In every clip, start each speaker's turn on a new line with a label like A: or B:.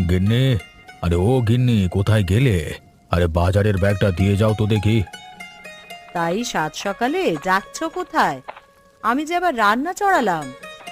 A: গিন্নি, আরে ও গিন্নি, কোথায় গেলে? আরে বাজারের ব্যাগটা দিয়ে যাও তো দেখি।
B: তাই সাত সকালে যাচ্ছ কোথায়? আমি যে আবার রান্না চড়ালাম।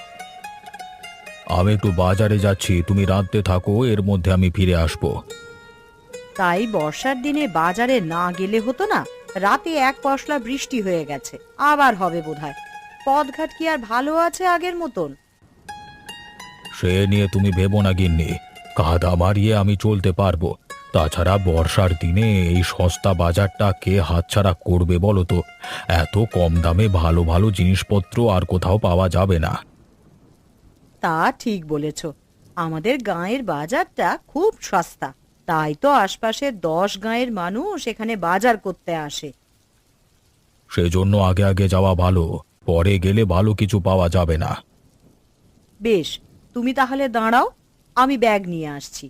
A: আমি একটু বাজারে যাচ্ছি, তুমি রাঁধতে থাকো, এর মধ্যে আমি ফিরে আসবো।
B: তাই বর্ষার দিনে বাজারে না গেলে হতো না? রাতে এক পশলা বৃষ্টি হয়ে গেছে, আবার হবে বোধহয়। পথঘাট কি আর ভালো আছে আগের মতন?
A: সে নিয়ে তুমি ভেবো না গিন্নি, কাদা মারিয়ে আমি চলতে পারবো। তাছাড়া বর্ষার দিনে এই সস্তা বাজারটা কে হাতছাড়া করবে বলো তো? এত কম দামে ভালো ভালো জিনিসপত্র আর কোথাও পাওয়া যাবে না।
B: তা ঠিক বলেছ। আমাদের গাঁয়ের বাজারটা খুব সস্তা, তাই তো আশপাশের 10 গাঁয়ের মানুষ এখানে বাজার করতে আসে।
A: সেজন্য আগে আগে যাওয়া ভালো, পরে গেলে ভালো কিছু পাওয়া যাবে না।
B: বেশ, তুমি তাহলে দাঁড়াও, আমি ব্যাগ নিয়ে আসছি।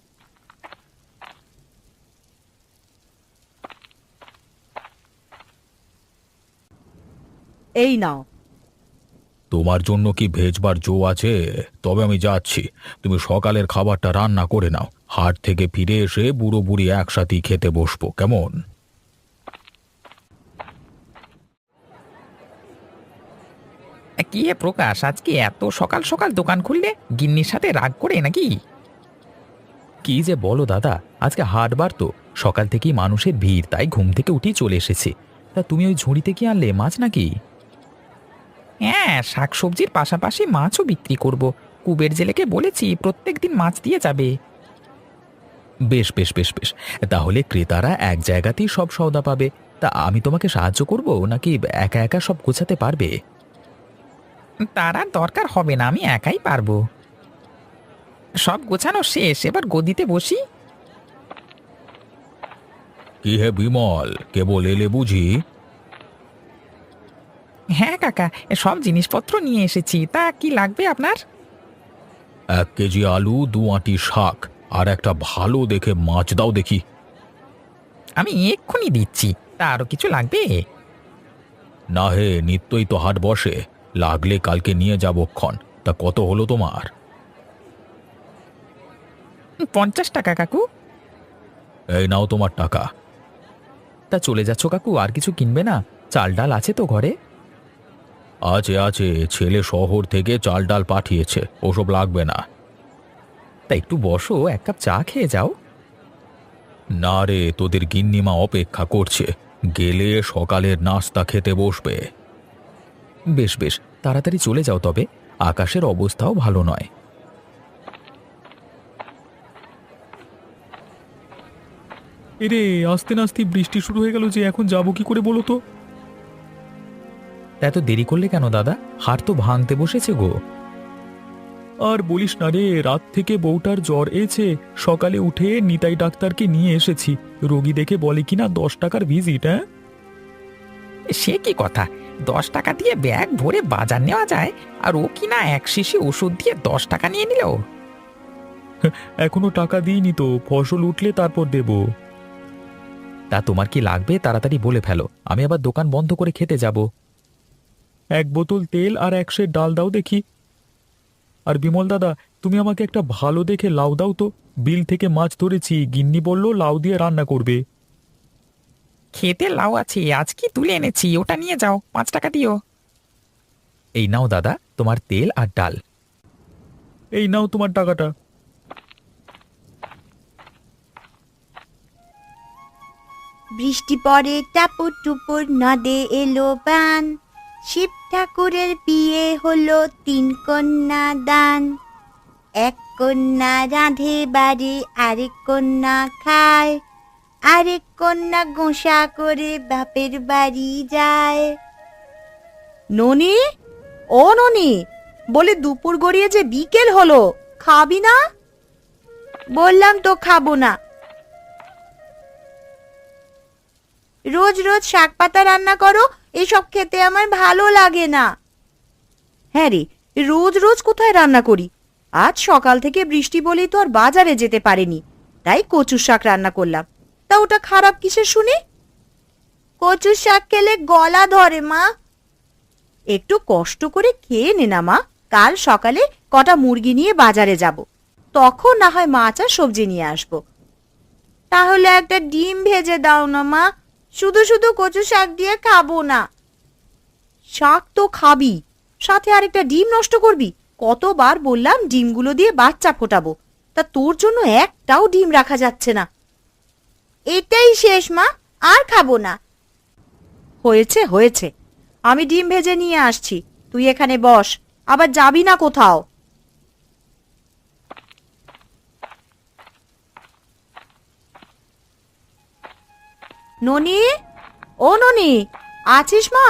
B: এই নাও।
A: তোমার জন্য কি ভেজবার জো আছে? তবে আমি যাচ্ছি, তুমি সকালের খাবারটা রান্না করে নাও। হাট থেকে ফিরে এসে বুড়ো বুড়ি একসাথেই খেতে বসবো, কেমন?
C: কি হে প্রকাশ, আজকে এত সকাল সকাল দোকান খুললে? গিন্নির সাথে রাগ করে নাকি?
A: কি যে বলো দাদা, আজকে হাটবার তো, সকাল থেকেই মানুষের ভিড়, তাই ঘুম থেকে উঠেই চলে এসেছে। তা তুমি ওই ঝুড়িতে কি আনলে, মাছ নাকি?
C: হ্যাঁ, শাকসবজির পাশাপাশি মাছও বিক্রি করব। কুবের জেলেকে বলেছি প্রত্যেক দিন মাছ দিয়ে যাবে।
A: বেশ বেশ বেশ বেশ, তাহলে ক্রেতারা এক জায়গাতেই সব সওদা পাবে। তা আমি তোমাকে সাহায্য করব নাকি একা একা সব গোছাতে পারবে?
C: তার আর দরকার হবে না, আমি একাই পারবো। সব গোছানো শেষ, এবার গদিতে বসি।
A: কি হে বিমল, কেবল এলে বুঝি?
C: হ্যাঁ কাকা, সব জিনিসপত্র নিয়ে এসেছি। তা কি লাগবে আপনার?
A: 1 কেজি আলু, 2 আঁটি শাক, আর একটা ভালো দেখে মাছ দাও দেখি।
C: আমি এক্ষুনি দিচ্ছি। তা আরো কিছু লাগবে?
A: না হে, নিত্যই তো হাট বসে, লাগলে কালকে নিয়ে যাবো ক্ষণ। তা কত হলো তোমার?
C: 50 টাকা কাকু।
A: এই নাও তোমার টাকা। তা চলে যাচ্ছ কাকু, আর কিছু কিনবে না? চাল ডাল আছে তো ঘরে? আছে আছে, ছেলে শহর থেকে চাল ডাল পাঠিয়েছে, ওসব লাগবে না। তা একটু বসো, 1 কাপ চা খেয়ে যাও। না রে, তোদের গিন্নিমা অপেক্ষা করছে, গেলে সকালের নাস্তা খেতে বসবে। বেশ বেশ, তাড়াতাড়ি চলে যাও তবে, আকাশের অবস্থাও ভালো নয়।
D: এরে, আস্তে নাস্তে বৃষ্টি শুরু হয়ে গেল যে, এখন যাবো কি করে বলো তো?
A: তা এত দেরি করলে কেন দাদা? হাট তো ভাঙতে বসেছে গো।
D: আর বলিস না রে, রাত থেকে বউটার জ্বর এসে সকালে উঠে নিতাই ডাক্তারকে নিয়ে এসেছি। রোগী দেখে বলে কিনা 10 টাকার ভিজিট। হ্যাঁ,
C: সে কি কথা! 10 টাকা দিয়ে ব্যাগ ভরে বাজার নেওয়া যায়, আর ও কিনা এক শিশি ওষুধ দিয়ে 10 টাকা নিয়ে নিল।
D: এখনো টাকা দিইনি তো, ফসল উঠলে তারপর দেব।
A: তা তোমার কি লাগবে তাড়াতাড়ি বলে ফেলো, আমি আবার দোকান বন্ধ করে খেতে যাব।
D: 1 বোতল তেল আর 1 সের ডাল দাও দেখি। আর বিমল দাদা, তুমি আমাকে একটা ভালো দেখে লাউ দাও তো। বিল থেকে মাছ ধরেছি, গিন্নি বলল লাউ দিয়ে রান্না করবে।
C: খেতে লাউ আছে, আজ কি তুলে এনেছি, ওটা নিয়ে যাও, 5 টাকা দিও।
A: এই নাও দাদা, তোমার তেল আর ডাল।
D: এই নাও তোমার টাকাটা।
E: বৃষ্টি পড়ে টাপুর টুপুর, নদে এলো বান। শিব ঠাকুরের বিয়ে হলো 3 কন্যা দান। 1 কন্যা রাঁধে বাড়ি, আরেক কন্যা খায়, আরেক কন্যা গোসা করে বাপের বাড়ি যায়।
B: ননি, ও ননি, বলে দুপুর গড়িয়ে যে বিকেল হলো, খাবি না?
E: বললাম তো খাবো না। রোজ রোজ শাক পাতা রান্না করো, এসব খেতে আমার ভালো লাগে না।
B: হ্যাঁ রে, রোজ রোজ কোথায় রান্না করি? আজ সকাল থেকে বৃষ্টি বলেই তো আর বাজারে যেতে পারিনি, তাই কচুর শাক রান্না করলাম। তা ওটা খারাপ কিসের শুনি?
E: কচুর শাক খেলে গলা ধরে মা।
B: একটু কষ্ট করে খেয়ে নে না মা, কাল সকালে কটা মুরগি নিয়ে বাজারে যাব। তখন না হয় মাছ আর সবজি নিয়ে আসবো।
E: তাহলে একটা ডিম ভেজে দাও না মা, শুধু শুধু কচু শাক দিয়ে খাবো না।
B: শাক তো খাবি, সাথে আরেকটা ডিম নষ্ট করবি? কতবার বললাম ডিমগুলো দিয়ে বাচ্চা ফোটাবো, তা তোর জন্য একটাও ডিম রাখা যাচ্ছে না।
E: এটাই শেষ মা, আর খাবো না।
B: হয়েছে হয়েছে, আমি ডিম ভেজে নিয়ে আসছি, তুই এখানে বস, আবার যাবি না কোথাও। ননি, ও ননি, আছিস মা?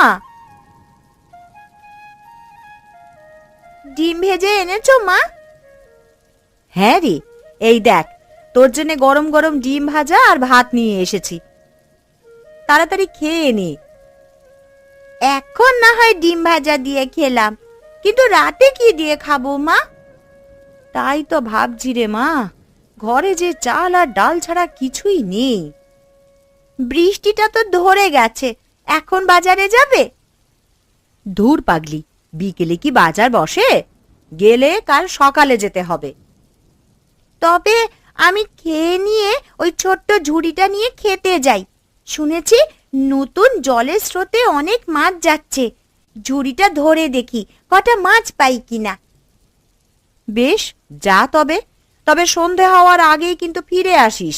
E: ডিম ভেজে এনেছো মা?
B: হ্যাঁ রে, এই দেখ তোর জন্য গরম গরম ডিম ভাজা আর ভাত নিয়ে এসেছি, তাড়াতাড়ি খেয়ে নে।
E: এখন না হয় ডিম ভাজা দিয়ে খেলাম, কিন্তু রাতে কি দিয়ে খাবো মা?
B: তাই তো ভাবছি রে মা, ঘরে যে চাল আর ডাল ছাড়া কিছুই নেই।
E: বৃষ্টিটা তো ধরে গেছে, এখন বাজারে যাবে?
B: ধুর পাগলি, বিকেলে কি বাজার বসে? গেলে কাল সকালে যেতে হবে।
E: তবে আমি খেয়ে নিয়ে ওই ছোট্ট ঝুড়িটা নিয়ে খেতে যাই। শুনেছি নতুন জলের স্রোতে অনেক মাছ যাচ্ছে, ঝুড়িটা ধরে দেখি কটা মাছ পাই কিনা।
B: বেশ, যা তবে, তবে সন্ধে হওয়ার আগেই কিন্তু ফিরে আসিস।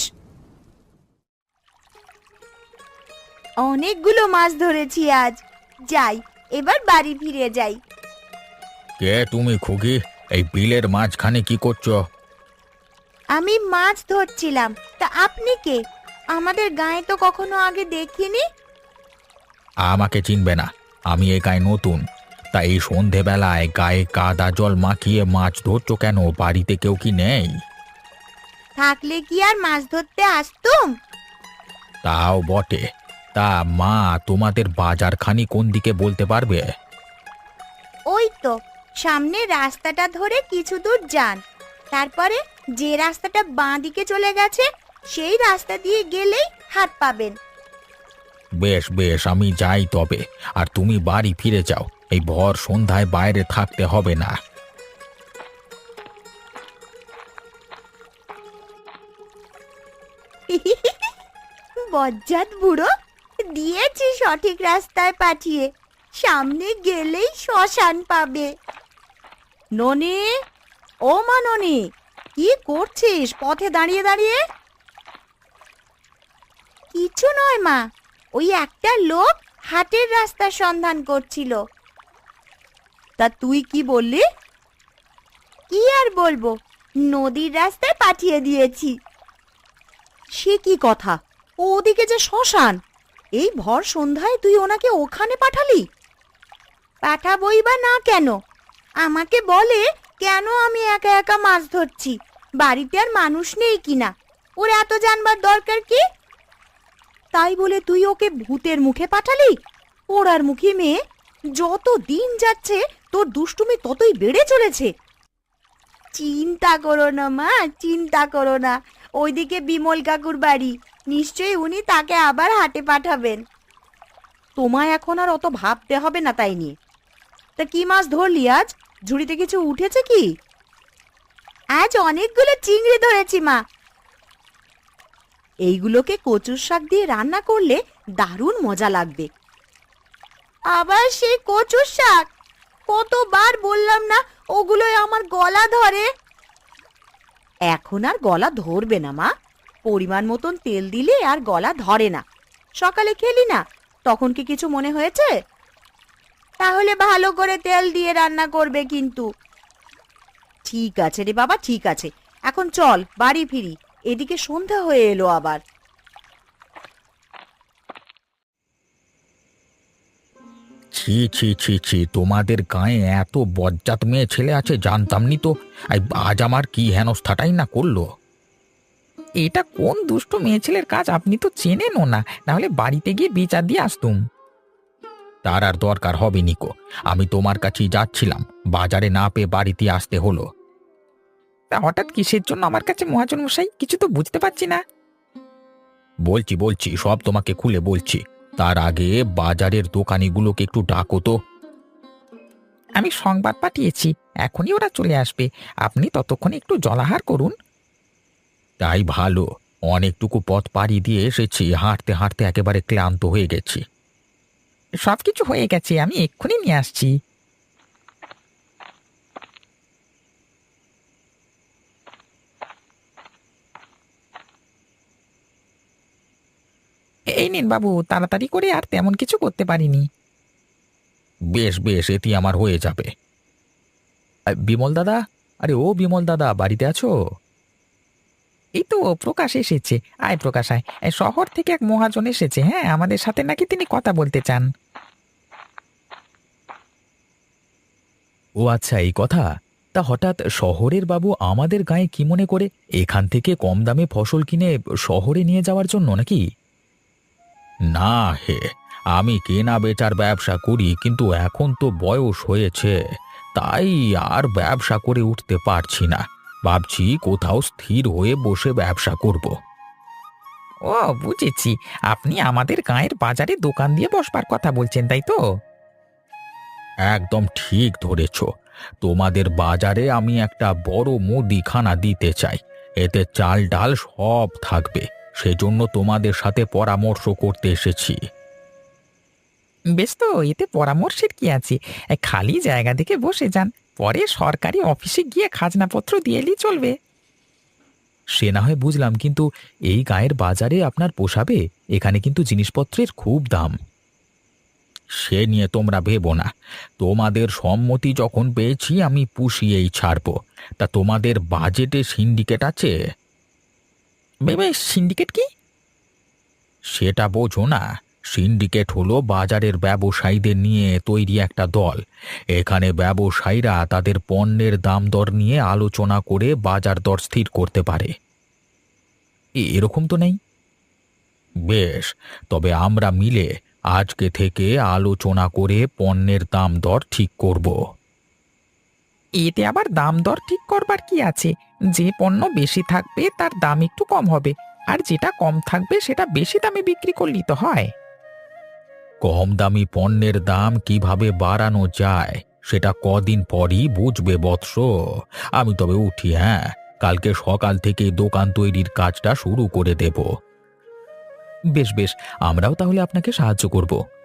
E: অনেকগুলো মাছ ধরেছি আজ, যাই এবার বাড়ি ফিরে যাই।
A: কে তুমি খুকি? এই বিলের মাঝখানে কি করছো?
E: আমি মাছ ধরছিলাম, তা আপনি কে? আমাদের গায়ে তো কখনো আগে দেখিনি।
A: আমাকে চিনবে না, আমি এই গায়ে নতুন। তাই এই সন্ধেবেলায় গায়ে কাদা জল মাখিয়ে মাছ ধরছো কেন? বাড়িতে কেউ কি নেই?
E: থাকলে কি আর মাছ ধরতে আসতুম?
A: তাও বটে। তা মা, তোমাদের বাজারখানি কোন দিকে বলতে পারবে?
E: ওই তো সামনে রাস্তাটা ধরে কিছু দূর যান, তারপরে যে রাস্তাটা বাঁ দিকে চলে গেছে সেই রাস্তা দিয়ে গেলেই হাট পাবেন।
A: বেশ বেশ, আমি যাই তবে। আর তুমি বাড়ি ফিরে যাও, এই ভর সন্ধ্যায় বাইরে থাকতে হবে না।
E: বজ্জাত বুড়ো, দিয়েছি সঠিক রাস্তায় পাঠিয়ে, সামনে গেলেই শ্মশান পাবে।
B: ননি, ও মা ননি, কি করছিস পথে দাঁড়িয়ে দাঁড়িয়ে?
E: কিছু নয় মা, ওই একটা লোক হাটের রাস্তার সন্ধান করছিল।
B: তা তুই কি বললি?
E: কি আর বলবো, নদীর রাস্তায় পাঠিয়ে দিয়েছি।
B: সে কি কথা? ও ওদিকে যে শ্মশান, এই ভর সন্ধ্যায় তুই ওনাকে ওখানে পাঠালি?
E: পাঠাবই বা না কেন? আমাকে বলে কেন আমি একা একা মাছ ধরছি, বাড়িতে আর মানুষ নেই কিনা, ওর এত জানবার দরকার কি?
B: তাই বলে তুই ওকে ভূতের মুখে পাঠালি? পোড়ার মুখী মেয়ে, যত দিন যাচ্ছে তোর দুষ্টুমি ততই বেড়ে চলেছে।
E: চিন্তা করো না মা, চিন্তা করো না, ওইদিকে বিমল কাকুর বাড়ি, নিশ্চয়ই উনি তাকে আবার হাটে পাঠাবেন।
B: তোমায় এখন আর অত ভাবতে হবে না তাই নিয়ে। তা কি মাছ ধরলি আজ? ঝুড়িতে কিছু উঠেছে কি?
E: আজ অনেকগুলো চিংড়ি ধরেছি মা।
B: এইগুলোকে কচুর শাক দিয়ে রান্না করলে দারুণ মজা লাগবে।
E: আবার সেই কচুর শাক? কতবার বললাম না ওগুলোই আমার গলা ধরে।
B: এখন আর গলা ধরবে না মা, পরিমাণ মতন তেল দিলে আর গলা ধরে না। সকালে খেলি না, তখন কি কিছু মনে হয়েছে?
E: তাহলে ভালো করে তেল দিয়ে রান্না করবে কিন্তু।
B: ঠিক আছে রে বাবা, ঠিক আছে, এখন চল বাড়ি ফিরি, এদিকে সন্ধ্যা হয়ে এলো আবার।
A: ছি ছি ছি ছি, তোমাদের গায়ে এত বজ্জাত মেয়ে ছেলে আছে জানতাম নি তো। আজ আমার কি হেনস্থাটাই না করলো।
C: এটা কোন দুষ্ট মেয়ে ছেলের কাজ আপনি তো চেনেনও না, নাহলে বাড়িতে গিয়ে বিচার দিয়ে আসতুম।
A: তার আর দরকার হবে নিকো, আমি তোমার কাছেই যাচ্ছিলাম, বাজারে না পেয়ে বাড়িতে আসতে হলো।
C: তা হঠাৎ কিসের জন্য আমার কাছে মহাজন মশাই, কিছু তো বুঝতে পারছি না।
A: বলছি বলছি, সব তোমাকে খুলে বলছি। তার আগে বাজারের দোকানিগুলোকে একটু ডাকো তো।
C: আমি সংবাদ পাঠিয়েছি, এখনই ওরা চলে আসবে। আপনি ততক্ষণে একটু জলাহার করুন।
A: তাই ভালো, অনেকটুকু পথ পাড়ি দিয়ে এসেছি, হাঁটতে হাঁটতে একেবারে ক্লান্ত হয়ে গেছি।
C: সবকিছু হয়ে গেছে, আমি এক্ষুনি নিয়ে আসছি। এই নিন বাবু, তাড়াতাড়ি করে, আর তেমন কিছু করতে পারিনি।
A: বেশ বেশ, এটি আমার হয়ে যাবে। বিমল দাদা, আরে ও বিমল দাদা, বাড়িতে আছো?
C: এই তো প্রকাশ এসেছে। আয় প্রকাশ আয়। এই শহর থেকে এক মহাজন এসেছে, হ্যাঁ, আমাদের সাথে নাকি তিনি কথা বলতে চান।
A: ও আচ্ছা, এই কথা। তা হঠাৎ শহরের বাবু আমাদের গায়ে কি মনে করে, এখান থেকে কম দামে ফসল কিনে শহরে নিয়ে যাওয়ার জন্য নাকি? না হে, আমি কেনা বেচার ব্যবসা করি, কিন্তু এখন তো বয়স হয়েছে, তাই আর ব্যবসা করে উঠতে পারছি না। ভাবছি কোথাও স্থির হয়ে বসে ব্যবসা করব।
C: ও বুঝেছি, আপনি আমাদের গায়ের বাজারে দোকান দিয়ে বসবার কথা বলছেন, তাই তো?
A: একদম ঠিক ধরেছ। তোমাদের বাজারে আমি একটা বড় মুদিখানা দিতে চাই। এতে চাল ডাল সব থাকবে, সেজন্য তোমাদের সাথে পরামর্শ করতে এসেছি।
C: বেশ, তো এতে পরামর্শের কি আছে? খালি জায়গা দেখে বসে যান, পরে সরকারি অফিসে গিয়ে খাজনাপত্র দিয়ে এলেই চলবে।
A: সে না হয় বুঝলাম, কিন্তু এই গায়ের বাজারে আপনার পোষাবে? এখানে কিন্তু জিনিসপত্রের খুব দাম। সে নিয়ে তোমরা ভেবো না, তোমাদের সম্মতি যখন পেয়েছি আমি পুষিয়েই ছাড়বো। তা তোমাদের বাজেটে সিন্ডিকেট আছে?
C: ভেবে সিন্ডিকেট কি?
A: সেটা বোঝো না? সিন্ডিকেট হলো বাজারের ব্যবসায়ীদের নিয়ে তৈরি একটা দল। এখানে ব্যবসায়ীরা তাদের পণ্যের দাম দর নিয়ে আলোচনা করে বাজার দর স্থির করতে পারে। এরকম তো নেই। বেশ, তবে আমরা মিলে আজকে থেকে আলোচনা করে পণ্যের দাম দর ঠিক করব।
C: এতে আবার দাম দর ঠিক করবার কি আছে? যে পণ্য বেশি থাকবে তার দাম একটু কম হবে, আর যেটা কম থাকবে সেটা বেশি দামে বিক্রি করলেই তো হয়।
A: কম দামি পণ্যের দাম কিভাবে বাড়ানো যায় সেটা কদিন পরই বুঝবে বৎস। আমি তবে উঠি, হ্যাঁ, কালকে সকাল থেকে দোকান তৈরির কাজটা শুরু করে দেব। বেশ বেশ, আমরাও তাহলে আপনাকে সাহায্য করব।